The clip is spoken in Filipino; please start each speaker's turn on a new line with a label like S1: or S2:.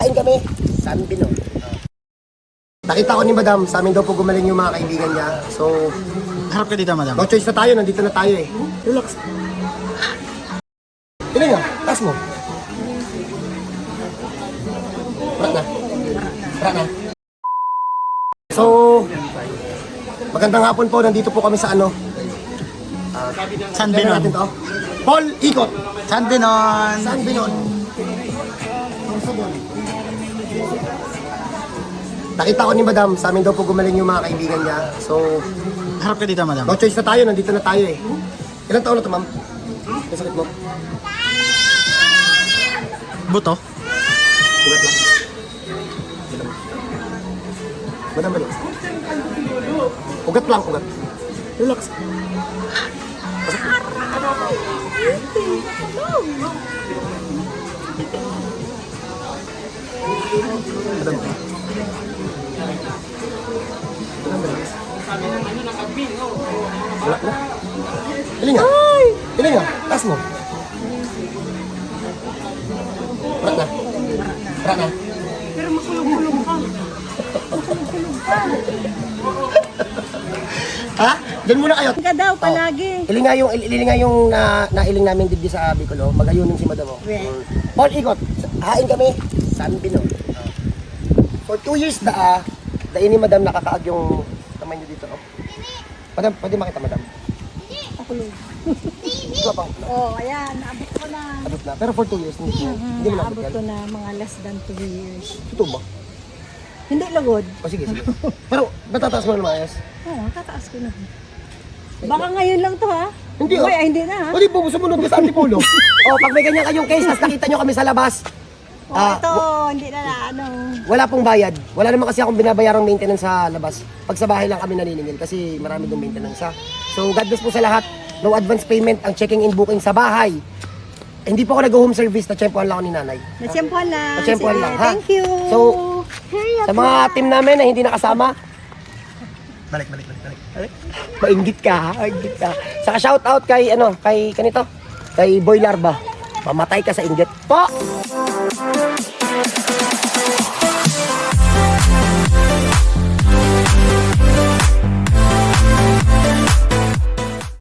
S1: Kain kami, San Bino. Nakita ko ni Madam, sa amin daw po gumaling yung mga kaibigan niya. So,
S2: Harap ka dito, madam.
S1: no choice na tayo, nandito na tayo eh. Relax. Pili nga, taas mo. Parat na. Parat na. So, magandang hapon po, nandito po kami sa ano.
S2: San
S1: Kailan
S2: Binon.
S1: natin to? Paul Ikot.
S2: San Binon.
S1: San Binon. Nakita ko ni Madam, sa amin daw po gumaling yung mga kaibigan niya. So,
S2: Harap ka dito, madam.
S1: no choice na tayo, nandito na tayo eh. Ilang taon na to, ma'am? May sakit mo?
S2: Buto.
S1: Ugat lang. Madam, relax. Ugat lang, ugat. Relax. Madam. Wala na. Piling nga. Piling nga. Taas mo. Parat na. Parat na.
S3: Pero makulong-kulong ka. Makulong-kulong ka.
S1: Ha? Diyan muna kayo.
S3: Ka daw palagi.
S1: Iling nga yung nailing namin dito sa Bicolo. Magayunin si Madam.
S3: Well.
S1: Paul Ikot. Hain kami. San Bino. For 2 years dain ni Madam nakakaag yung kamay niyo dito. Madam, pwede makita Madam?
S3: Makulong.
S1: Ito pang
S3: Oh, ayan. Naabot ko na.
S1: abot na. Pero for 2 years, hindi mo naabot
S3: Naabot
S1: yan.
S3: ko na mga less than 2 years.
S1: Ito ba?
S3: Hindi lagod.
S1: O sige, sige. Pero, natataas mo na maayos?
S3: Oo, tataas ko na. Baka ngayon lang to ha?
S1: Hindi,
S3: Uy,
S1: oh.
S3: hindi na ha?
S1: O di po, sumunod ka sa Antipulo. O, pag may ganyan kayong case, tapos nakita nyo kami sa labas,
S3: Oh, ito, hindi na ano.
S1: wala pong bayad. Wala naman kasi akong binabayarang maintenance sa labas. Pag sa bahay lang kami naniningil kasi marami dong maintenance ha. So, God bless po sa lahat. No advance payment ang checking in booking sa bahay. Hindi po ako nag-home service, na-tsempuhan lang ako ni nanay.
S3: Natsyempohan lang.
S1: Natsyempohan
S3: Sige,
S1: lang, ha?
S3: Thank you.
S1: So,
S3: Hurry up
S1: Sa mga
S3: na.
S1: team namin na hindi nakasama, balik. Mainggit ka ha, mainggit ka. Saka shout out kay kanito, kay Boy Larva. Mamatay ka sa inggit po.